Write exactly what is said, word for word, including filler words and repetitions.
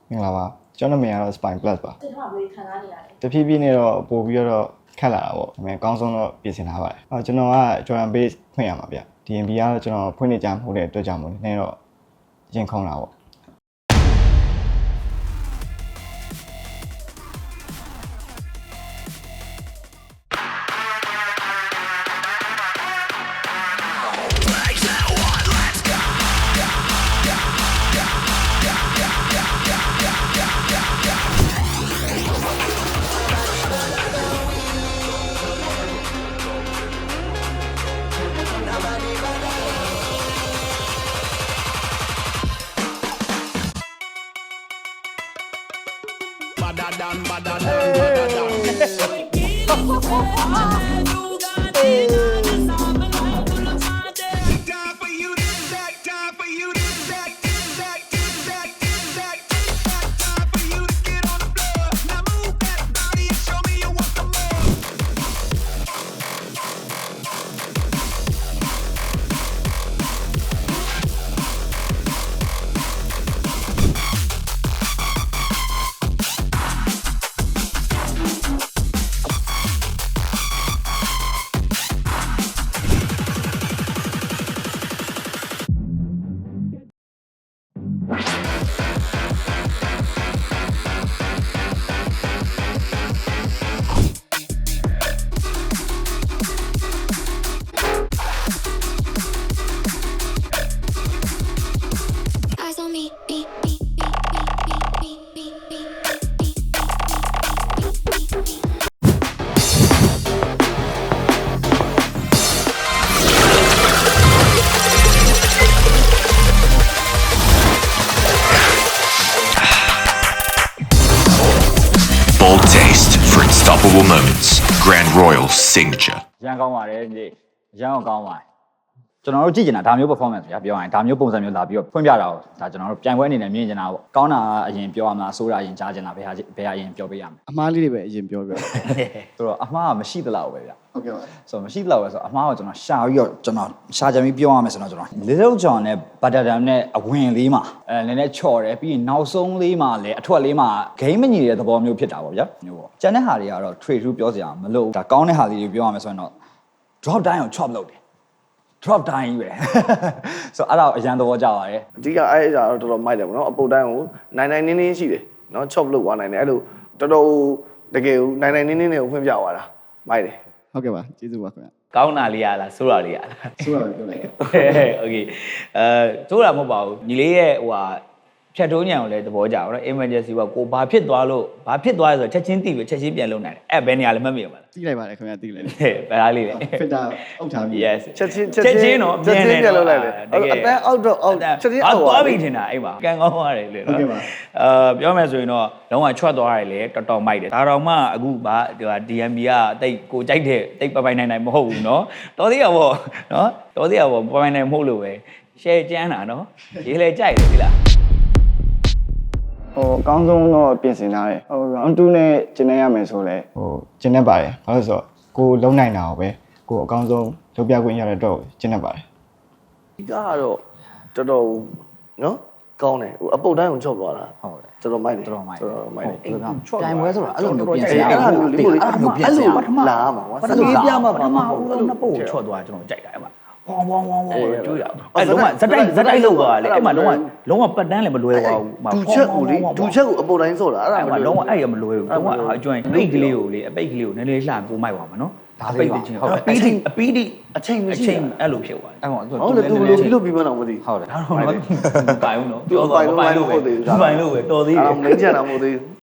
မင်္ဂလာပါကျွန်တော်နာမည်ကတော့ Spine Plus ပါဒီမှာဘယ်ခံစားနေရလဲတဖြည်းဖြည်းနဲ့တော့ပို့ပြီးတော့ခက်လာတာပေါ့ဒါပေမဲ့အကောင်းဆုံးတော့ပြင်ဆင်ထားပါတယ်အော်ကျွန်တော်က Jordan Base ဖွင့်ရမှာဗျ D N B ကတော့ကျွန်တော်ဖွင့်နေကြမှုတဲ့အတွက်ကြောင့်မို့နည်းနည်းတော့ရင်ခုန်တာပေါ့ Badadan, badadan, badadan. Time for you this, that, time for you this, that, this, that, this, that, this, that, this, that. Time for you to get on the floor. Now move that body and show me you want some more. Eyes on me, beep, beep, beep, beep, beep, beep, beep, beep, beep, beep, beep, beep. Bold taste for unstoppable moments. Grand Royal signature. ရန်ကောင်းပါတယ်ညီရန်ကောင်းပါတယ်ကျွန်တော်တို့ကြည့်ကျင်တာဒါမျိုး performance ဗျာပြောရရင်ဒါမျိုးပုံစံမျိုးလာပြီးတော့ဖွင့်ပြတာကိုဒါကျွန်တော်တို့ပြိုင်ပွဲအနေနဲ့မြင်ကျင်တာပေါ့ကောင်းတာအရင်ပြောရမလားဆိုးတာအရင်ကြားကျင်တာဘယ်ဟာဘယ်ဟာအရင်ပြောပေးရမလဲအမားလေးတွေပဲအရင်ပြောပြဆိုတော့အမှားကမရှိသလောက်ပဲဗျာဟုတ်ကဲ့ပါဆိုတော့မရှိသလောက်ပဲဆိုတော့အမှားကိုကျွန်တော်ရှာပြီးတော့ကျွန်တော်ရှာကြပြီးပြောရမယ်ဆိုတော့ကျွန်တော် Little John နဲ့ Butterdam နဲ့အဝင်လေးမှာအဲနည်းနည်းချော်တယ်ပြီးရင်နောက်ဆုံးလေးမှာလည်းအထွက်လေးမှာ game မညီတဲ့သဘောမျိုးဖြစ်တာပေါ့ဗျာမျိုးပေါ့ကျန်တဲ့ဟာတွေကတော့ trade through ပြောစရာမလိုဘူးဒါကောင်းတဲ့ဟာလေးတွေပြောရမယ်ဆိုရင်တော့ drop down ကို chop လုပ်တယ် drop down ကြီးပဲဆိုတော့အဲ့ဒါကိုအရန်သဘောကျပါတယ်အဓိကအဲ့အရာတော့တော်တော်မိုက်တယ်ဗောနော်အပုတ်တိုင်းကိုနိုင်နိုင်နင်းနင်းရှိတယ်နော် chop လုပ်သွားနိုင်တယ်အဲ့လိုတော်တော်တကယ်ကိုနိုင်နိုင်နင်းနင်းတွေကိုဖွင့်ပြသွားတာမိုက်တယ်ဟုတ်ကဲ့ပါကျေးဇူးပါခင်ဗျကောင်းတာလေးရလားဆိုးတာလေးရလားဆိုးပါပြောလိုက်โอเคအဲဆိုးတာမဟုတ်ပါဘူးညီလေးရဲ့ဟိုဟာဖြတ်တိုးညံကိုလည်းသဘောကျပါတော့ emergency ကကိုဘာဖြစ်သွားလို့ဘာဖြစ်သွားလဲဆိုတော့ချက်ချင်းသိပြီချက်ချင်းပြန်လုံနိုင်တယ်အဲ့ဘယ်နေရာလဲမှတ်မိရမလားတီးလိုက်ပါတယ်ခင်ဗျတီးလိုက်တယ်ဟဲ့ဘယ်လားလေးလဲဖစ်တာအုပ်ထားပြီး yes ချက်ချင်းချက်ချင်းတော့ချက်ချင်းပြန်လုပ်လိုက်တယ်တကယ်အတန်းအောက်တော့အောက်ချက်ချင်းအောက်သွားပြီထင်တာအဲ့မှာကန်ကောင်းသွားတယ်လေနော်အာပြောမယ်ဆိုရင်တော့လုံးဝချွတ်သွားတယ်လေတော်တော်မိုက်တယ်ဒါတော့မှအခုဗာဒီ D M B ကတိတ်ကိုကြိုက်တဲ့တိတ်ပပိုင်နိုင်နိုင်မဟုတ်ဘူးနော်တော်သေးရပေါ့နော်တော်သေးရပေါ့ပပိုင်နိုင်မဟုတ်လို့ပဲ share ကျန်းတာနော်ရေးလဲကြိုက်တယ်ဒီလားဟိုအကောင်းဆုံးတော့ပြင်ဆင်ထားတယ်ဟို round two နဲ့ကျင်းနေရမယ်ဆိုလဲဟိုကျင်းနေပါတယ်ဘာလို့ဆိုတော့ကိုလုံးနိုင်တာကိုပဲကိုအကောင်းဆုံးလုပ်ပြခွင့်ရတဲ့တော့ကျင်းနေပါတယ်ဒီကတော့တော်တော်နော်ကောင်းတယ်ဟိုအပုတ်တိုင်းကို chop သွားတာဟုတ်တယ်တော်တော်မိုက်တယ်တော်တော်မိုက်တယ်တော်တော်မိုက်တယ်ပြိုင်ပွဲဆိုတာအဲ့လိုမျိုးပြင်ဆင်ရအဲ့အောင်လိုမျိုးလေးအဲ့လိုပြင်ဆင်ပထမလာမှာပထမပြမှာပထမဦးဆုံးနှစ်ပုတ်ကိုချော့သွားကျွန်တော်ကြိုက်တာအဲ့မှာဝေါဝေါဝေါဝေါတွေးတာအဲ့လုံးဝဇက်တိုက်ဇက်တိုက်လောက်သွားလေအဲ့မှာလုံးဝလုံးဝပတ်တန်းလည်းမလွယ်ပါဘူးဒူချက်ကိုလေဒူချက်ကိုအပုတ်တိုင်းဆော့တာအဲ့ဒါအဲ့မမှာလို့လုံးဝအဲ့ရမလွယ်ဘူးလုံးဝအကျွမ်းပိတ်ကလေးကိုလေအပိတ်ကလေးကိုနည်းနည်းလှကိုမိုက်ပါမှာနော်ပိတ်ချင်းဟုတ်ပီးတိအပီးတိအချိန်မရှိအချိန်အဲ့လိုဖြစ်သွားတယ်အဲ့မှာဟုတ်လေသူဘယ်လိုပြီးလို့ပြီးမှတော့မသိဟုတ်တယ်ဒါတော့မပိုင်ဘူးနော်ပြောတော့မပိုင်လို့ပဲမပိုင်လို့ပဲတော်သေးတယ်အဲ့ဒါမင်းချန်တာမဟုတ်သေးဘူး